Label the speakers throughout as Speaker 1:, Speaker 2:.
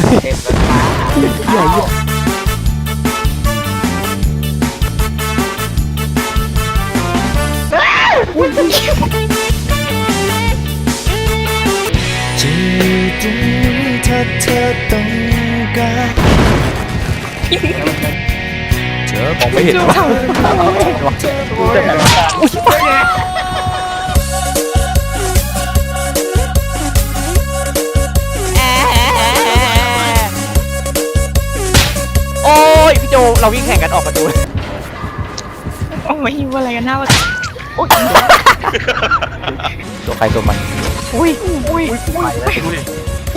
Speaker 1: เต็มแล้วฟ้า
Speaker 2: ใหญ่ยิ่งจะตรงนี้ถ้าเธอต้องการมองไม่เห็นว่าโอ้ยพี่โจเราวิ่งแข่งกันออกประตู
Speaker 3: โอ้ยหิวอะไรกันหน้าวะ
Speaker 2: ตัวใครตัวมัน
Speaker 3: อุ้ยอุ้ย
Speaker 1: ไปแล้วดูดิ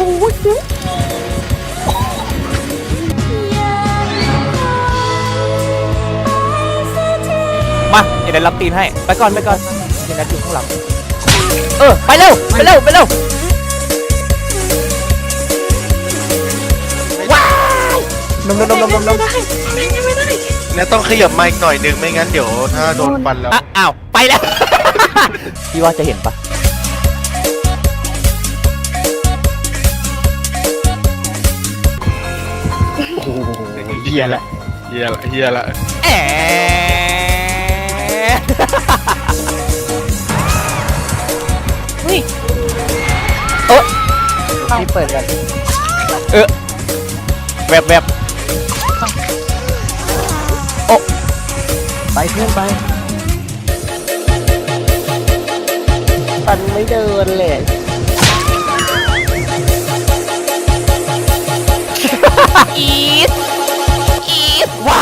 Speaker 2: มาเดี๋ยวรับตีนให้ไปก่อนไปก่อนเดี๋ยวนัดอยู่ข้างหลังไปเร็วไปเร็วไปเร็วว้าวนม
Speaker 4: แล้วต้องขยับมาอีกหน่อยนึงไม่งั้นเดี๋ยวถ้าโดนฟันแล้ว
Speaker 2: อ้าวไปแล้ว พี่ว่าจะเห็นปะเฮียละ
Speaker 4: เฮียละเฮียละ
Speaker 3: อุ้ย
Speaker 1: นี่เปิดกัน
Speaker 2: แบบ
Speaker 1: ไปเพื่อนไปปันไม่เดินเลย
Speaker 2: อีสว้า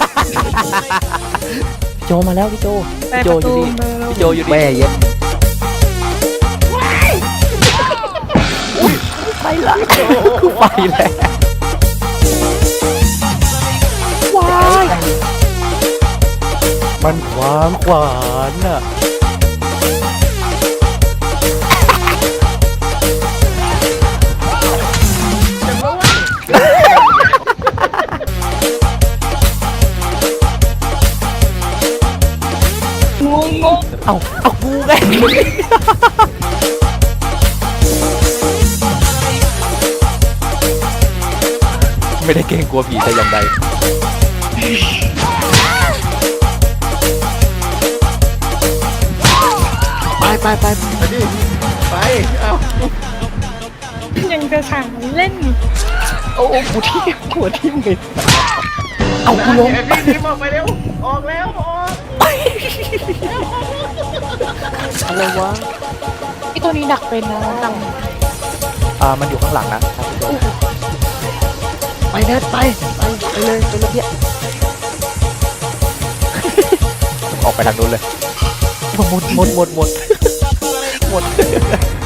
Speaker 2: โจมาแล้วพี่โจ
Speaker 3: ไป
Speaker 2: พี่
Speaker 3: ป
Speaker 2: โจ
Speaker 3: ระ
Speaker 2: อยู่
Speaker 3: ตู
Speaker 2: นี่
Speaker 3: มา
Speaker 2: พี่โจอยู่นี่
Speaker 1: แม่เย็ด
Speaker 2: ไปละไปแล้วว้ายมันขวางขวานอ่ะเอากูไงไม่ได้เกรงกลัวผีแต่อย่างใด
Speaker 4: ไปดิไปเอ้า
Speaker 3: ยังจะสั่งเล่น
Speaker 2: โอ้กูที่หัวทิ่มเลยเอากูลง
Speaker 4: พี่ออกไปเร็วออกแล้วออก
Speaker 2: อะไรวะ
Speaker 3: ไอตัวนี้ดักเป็นนะดัง
Speaker 2: มันอยู่ข้างหลังนะครับพี่โจ
Speaker 1: ไปเน็ตไปเลยไปเลยพี่
Speaker 2: ออกไปทางนู้นเลยหมด